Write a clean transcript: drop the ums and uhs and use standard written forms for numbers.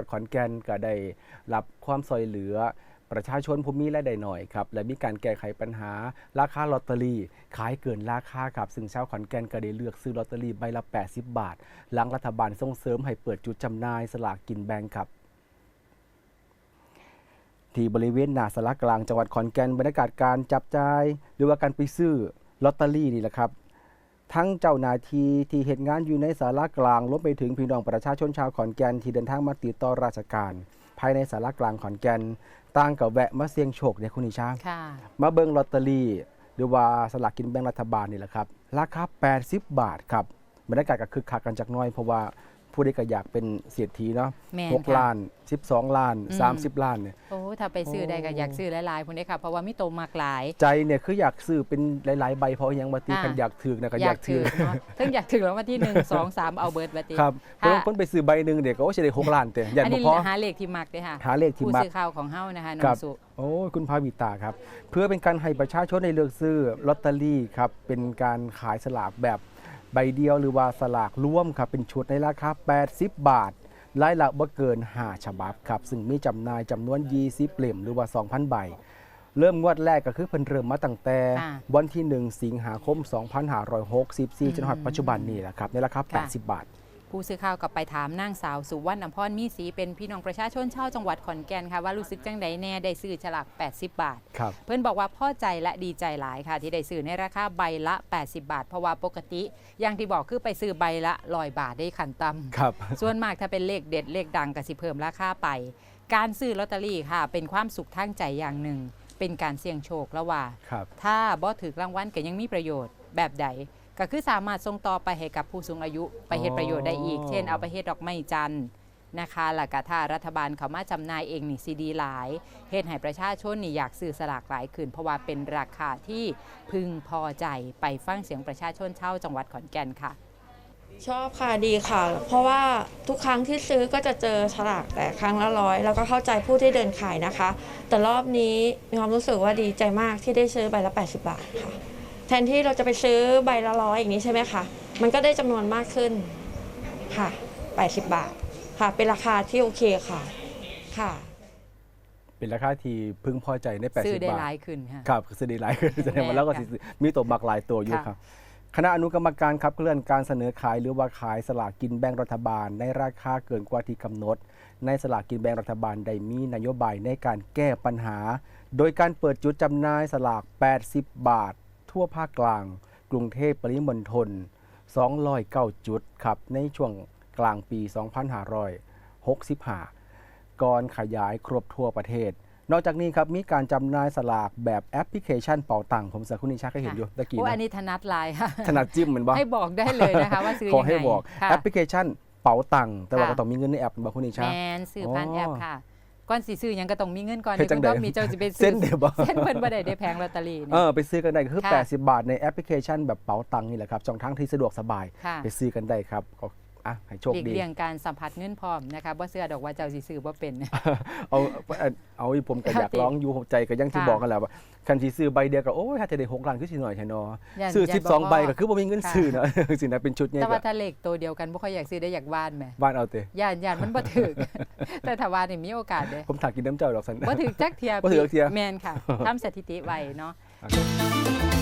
ขอนแก่นก็ได้รับความช่วยเหลือประชาชนผู้มีรายได้น้อยครับและมีการแก้ไขปัญหาราคาลอตเตอรี่ขายเกินราคาครับซึ่งชาวขอนแก่นก็ได้เลือกซื้อลอตเตอรี่ใบละ80 บาทหลังรัฐบาลส่งเสริมให้เปิดจุดจำหน่ายสลากกินแบ่งครับที่บริเวณหน้าศาลากลางจังหวัดขอนแก่นบรรยากาศการจับจ่ายหรือว่าการไปซื้อลอตเตอรี่นี่แหละครับทั้งเจ้าหน้าที่ที่เฮ็ดงานอยู่ในศาลากลางรวมไปถึงพี่น้องประชาชนชาวขอนแก่นที่เดินทางมาติดต่อราชการภายในศาลากลางขอนแก่นต่างกับแวะมาเสี่ยงโชคเนี่ยคุณนิชามาเบิ่งลอตเตอรี่หรือว่าสลากกินแบ่งรัฐบาลนี่แหละครับราคา80 บาทครับบรรยากาศก็คึกคักกันจักหน่อยเพราะว่าผู้ใดก็อยากเป็นเศรษฐีเนาะ6 ล้าน12 ล้าน30 ล้านเนี่ยโอ้ถ้าไปซื้อได้ก็อยากซื้อหลายๆพุ่นเด้ค่ะเพราะว่ามีโตมากหลายใจเนี่ยคืออยากซื้อเป็นหลายๆใบเพราะยังมาตีคันอยากถือนะก็อยากถือเนาะถึงอยากถือแล้ววันที่1 2 3เอาเบิดบัดนี้ครับเพิ่นไปซื้อใบนึงเดี๋ยวก็สิได้6 ล้านแต่ยันบ่พอหาเลขที่มักเด้ค่ะหาเลขที่มักผู้ซื้อข่าวของเฮานะคะน้องสุโอ้คุณภาวิตาครับเพื่อเป็นการให้ประชาชนได้เลือกซื้อลอตเตอรี่ครับเป็นการขายสลากแบบใบเดียวหรือว่าสลากร่วมครับเป็นชุดในราคา80 บาทรายละบ่เกิน5 ฉบับครับซึ่งมีจำหน่ายจำนวน20 เล่มหรือว่า 2,000 ใบเริ่มงวดแรกก็คือเพิ่นเริ่มมาตั้งแต่วันที่1 สิงหาคม 2564จนถึงปัจจุบันนี้แหละครับในราคา80 บาทผู้สื่อข่าวกับไปถามนางสาวสุวรรณอภรมีศรีเป็นพี่น้องประชาชนชาวจังหวัดขอนแก่นค่ะว่ารู้สึกจังใดแน่ได้ซื้อฉลาก80 บาทเพื่อนบอกว่าพอใจและดีใจหลายค่ะที่ได้ซื้อในราคาใบละ80 บาทเพราะว่าปกติอย่างที่บอกคือไปซื้อใบละ100 บาทได้ขันต่ำส่วนมากถ้าเป็นเลขเด็ดเลขดังก็สิเพิ่มราคาไปการซื้อลอตเตอรี่ค่ะเป็นความสุขทางใจอย่างหนึ่งเป็นการเสี่ยงโชคแล้วว่าถ้าบ่ถือรางวัลก็ยังมีประโยชน์แบบใดก็คือสามารถส่งต่อไปให้กับผู้สูงอายุไปเฮ็ดประโยชน์ได้อีกเช่นเอาไปเฮ็ดดอกไม้จันทร์นะคะแล้วก็ถ้ารัฐบาลเขามาจำหน่ายเองนี่สิดีหลายเฮ็ดให้ประชาชนนี่อยากซื้อสลากหลายขึ้นเพราะว่าเป็นราคาที่พึงพอใจไปฟังเสียงประชาชนชาวจังหวัดขอนแก่นค่ะชอบค่ะดีค่ะเพราะว่าทุกครั้งที่ซื้อก็จะเจอฉลากแต่ครั้งละ100แล้วก็เข้าใจผู้ที่เดินขายนะคะแต่รอบนี้มีความรู้สึกว่าดีใจมากที่ได้ซื้อใบละ80 บาทค่ะแทนที่เราจะไปซื้อใบละ100อย่างนี้ใช่ไหมคะมันก็ได้จำนวนมากขึ้นค่ะ80 บาทค่ะเป็นราคาที่โอเคค่ะค่ะเป็นราคาที่พึงพอใจใน80 บาทซื้อได้หลายขึ้นค่ะครับซื้อได้หลายขึ้นแสดงว่าแล้วก็มีตัวบักหลายตัวอยู่ครับคณะอนุกรรมการขับเคลื่อนการเสนอขายหรือว่าขายสลากกินแบ่งรัฐบาลในราคาเกินกว่าที่กำหนดในสลากกินแบ่งรัฐบาลได้มีนโยบายในการแก้ปัญหาโดยการเปิดจุดจำหน่ายสลาก80 บาททั่วภาคกลางกรุงเทพปริมณฑล209 จุดครับในช่วงกลางปี 2565 ก่อนขยายครบทั่วประเทศนอกจากนี้ครับมีการจำหน่ายสลากแบบแอปพลิเคชันเป๋าตังค์ผมสักคุณนิชาก็เห็นอยู่ตะกี้นะอันนี้ถนัดลายค่ะถนัดจิ้มเหมือนบ่ให้บอกได้เลยนะคะว่าซื้อยังไงขอให้บอกแอปพลิเคชันเป๋าตังค์แต่ว่าก็ต้องมีเงินในแอปบ่คุณนิชาแมนซื้อผ่านแอปค่ะก่อนสิซื้อยังก็ต้องมีเงินก่อนเดี๋ยวก็มีเจ้าจะไปซื้อเส้นเพิ่นบ่ได้แพงลอตเตอรี่ไปซื้อกันได้ก็คือ80 บาทในแอปพลิเคชันแบบเป๋าตังค์นี่แหละครับช่องทางที่สะดวกสบายไปซื้อกันได้ครับให้โชคดีเรื่องการสัมผัสเงินพร้อมนะคะบ่เชื่อดอกว่าเจ้าสิซื้อบ่เป็นเอาผมก็อยากร้องอยู่ใจก็ยังที่บอกกันแหละว่าคันสิซื้อใบเดียวก็โอ้ยถ้าจะได้6 ล้านคือสิหน่อยแท้เนาะซื้อ12 ใบก็คือบ่มีเงินซื้อเนาะสินะเป็นชุดใหญ่แต่ว่าถ้าเลขตัวเดียวกันบ่ค่อยอยากซื้อได้อยากวานแหมวานเอาเตย่านมันบ่ถึกแต่ถ้าวานนี่มีโอกาสเด้ผมถากกินน้ำเจ้าดอกซั่นบ่ถึกจักเที่ยบ่ถึกเที่ยแม่นค่ะทำสถิติไว้เนาะ